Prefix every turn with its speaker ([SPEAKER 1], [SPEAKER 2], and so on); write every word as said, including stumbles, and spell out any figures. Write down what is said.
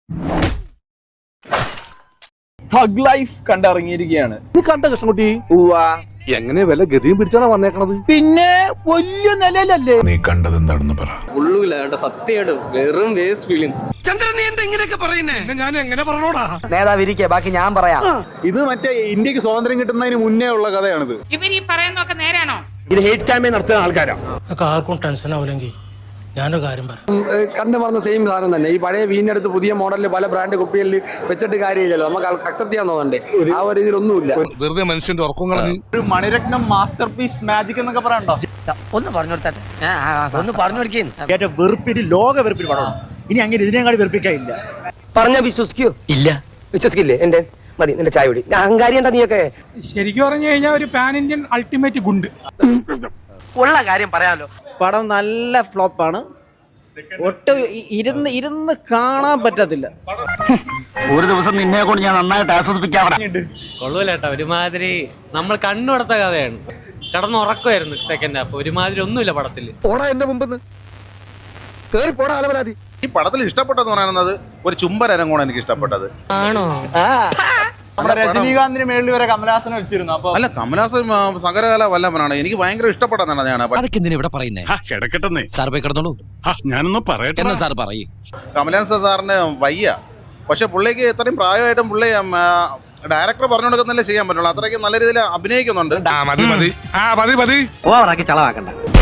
[SPEAKER 1] Thug life കണ്ടിറങ്ങിയിരിക്കുകയാണ്.
[SPEAKER 2] കണ്ട കൃഷ്ണൻകുട്ടി എങ്ങനെ വില ഗതിയും പിടിച്ചാണ് വന്നേക്കണത്? പിന്നെ വലിയ നിലയിലല്ലേ
[SPEAKER 3] നീ കണ്ടത് എന്താണെന്ന് പറ.
[SPEAKER 1] സത്യമായിട്ട് വെറും വേസ്റ്റ് ഫിലിം.
[SPEAKER 4] നേതാവിരിക്കെ ബാക്കി ഞാൻ പറയാം.
[SPEAKER 5] ഇത് മറ്റേ ഇന്ത്യക്ക് സ്വാതന്ത്ര്യം കിട്ടുന്നതിന് മുന്നേ ഉള്ള കഥയാണിത്.
[SPEAKER 6] ഇവർ ഈ പറയുന്നതൊക്കെ നേരാണോ?
[SPEAKER 2] ഇത് ഹേറ്റ് ക്യാമ്പയിൻ നടത്തുന്ന ആൾക്കാരാണ്.
[SPEAKER 7] ആർക്കും ടെൻഷൻ ആവില്ലെങ്കിൽ ഞാനൊരു കാര്യം പറയാം.
[SPEAKER 8] കണ്ടു പറഞ്ഞ സെയിം സാധനം തന്നെ. ഈ പഴയ വീടിനടുത്ത് പുതിയ മോഡലിൽ പല ബ്രാൻഡ് കുപ്പികളിൽ വെച്ചിട്ട് കാര്യമില്ലല്ലോ, നമുക്ക് അക്സെപ്റ്റ് ചെയ്യാൻ തോന്നണ്ടേ? ആ ഒരു ഇതിലൊന്നുമില്ല.
[SPEAKER 3] വെറുതെ മനുഷ്യന്റെ ഉറക്കം കളഞ്ഞ്
[SPEAKER 5] ഒരു മണിരത്നം മാസ്റ്റർ പീസ് മാജിക് എന്നൊക്കെ പറയണ്ടോ?
[SPEAKER 4] ഒന്ന് പറഞ്ഞു കൊടുത്തേ, ഒന്ന് പറഞ്ഞു കൊടുക്കേ.
[SPEAKER 2] വെറുപ്പിന് ലോക വെറുപ്പിന് പടം. ഇനി അങ്ങനെ ഇതിനെക്കാടി വെറുപ്പിക്കാനില്ല.
[SPEAKER 4] പറഞ്ഞ വിശ്വസിക്കൂ? ഇല്ല, വിശ്വസിക്കില്ലേ? എന്റെ മതി നിന്റെ ചായ കുടി. അഹങ്കാരി എന്താ നീയൊക്കെ?
[SPEAKER 7] ശരിക്കും പറഞ്ഞു കഴിഞ്ഞാൽ ഒരു പാൻ ഇന്ത്യൻ അൾട്ടിമേറ്റ് ഗുണ്ട്.
[SPEAKER 4] ഉള്ള കാര്യം പറയാമല്ലോ.
[SPEAKER 9] പടം നല്ല ഫ്ലോപ്പാണ്. ഒട്ടും ഇരുന്ന് ഇരുന്ന് കാണാൻ പറ്റത്തില്ല.
[SPEAKER 2] ഒരു ദിവസം നിന്നെ കൊണ്ട് ഞാൻ നന്നായിട്ട് ആസ്വദിപ്പിക്കാം.
[SPEAKER 10] കൊള്ളൂലേട്ടാ, ഒരുമാതിരി നമ്മൾ കണ്ണുടത്ത കഥയാണ്. കടന്നുറക്കമായിരുന്നു സെക്കൻഡ് ഹാഫ്. ഒരുമാതിരി ഒന്നുമില്ല പടത്തില്.
[SPEAKER 2] പോടാ എന്റെ മുമ്പ് കേറി പോടാ അലവരാതി.
[SPEAKER 3] ഈ പടത്തിൽ ഇഷ്ടപ്പെട്ടതെന്ന് പറയുന്നത് ഒരു ചുംബരരങ്ങാണ് എനിക്ക് ഇഷ്ടപ്പെട്ടത്.
[SPEAKER 10] ആണോ?
[SPEAKER 5] നമ്മുടെ രജനീകാന്തിന് മേളിൽ വരെ കമലഹാസനെ വെച്ചിരുന്നു. അപ്പൊ
[SPEAKER 3] അല്ല, കമലഹാസൻ സകലകല വല്ലഭനാണ്. എനിക്ക് ഭയങ്കര ഇഷ്ടപ്പെട്ടതാണ്.
[SPEAKER 11] അതൊക്കെ എന്തിനാ ഇവിടെ പറയുന്നേ? കിടക്കട്ടെ സാർ, പോയി കിടന്നോളൂ. ഞാനൊന്നും പറയട്ടെ എന്നാ സാർ പറയേ.
[SPEAKER 3] കമലഹാസൻ സാറിന് വയ്യ, പക്ഷെ പുള്ളിക്ക് ഇത്രയും പ്രായമായിട്ടും പുള്ളി ഡയറക്ടർ പറഞ്ഞു കൊടുക്കുന്നല്ലേ ചെയ്യാൻ പറ്റുള്ളൂ. അത്രയ്ക്ക് നല്ല രീതിയിൽ അഭിനയിക്കുന്നുണ്ട്.
[SPEAKER 4] ഓവറാക്കി ചളവാക്കണ്ട.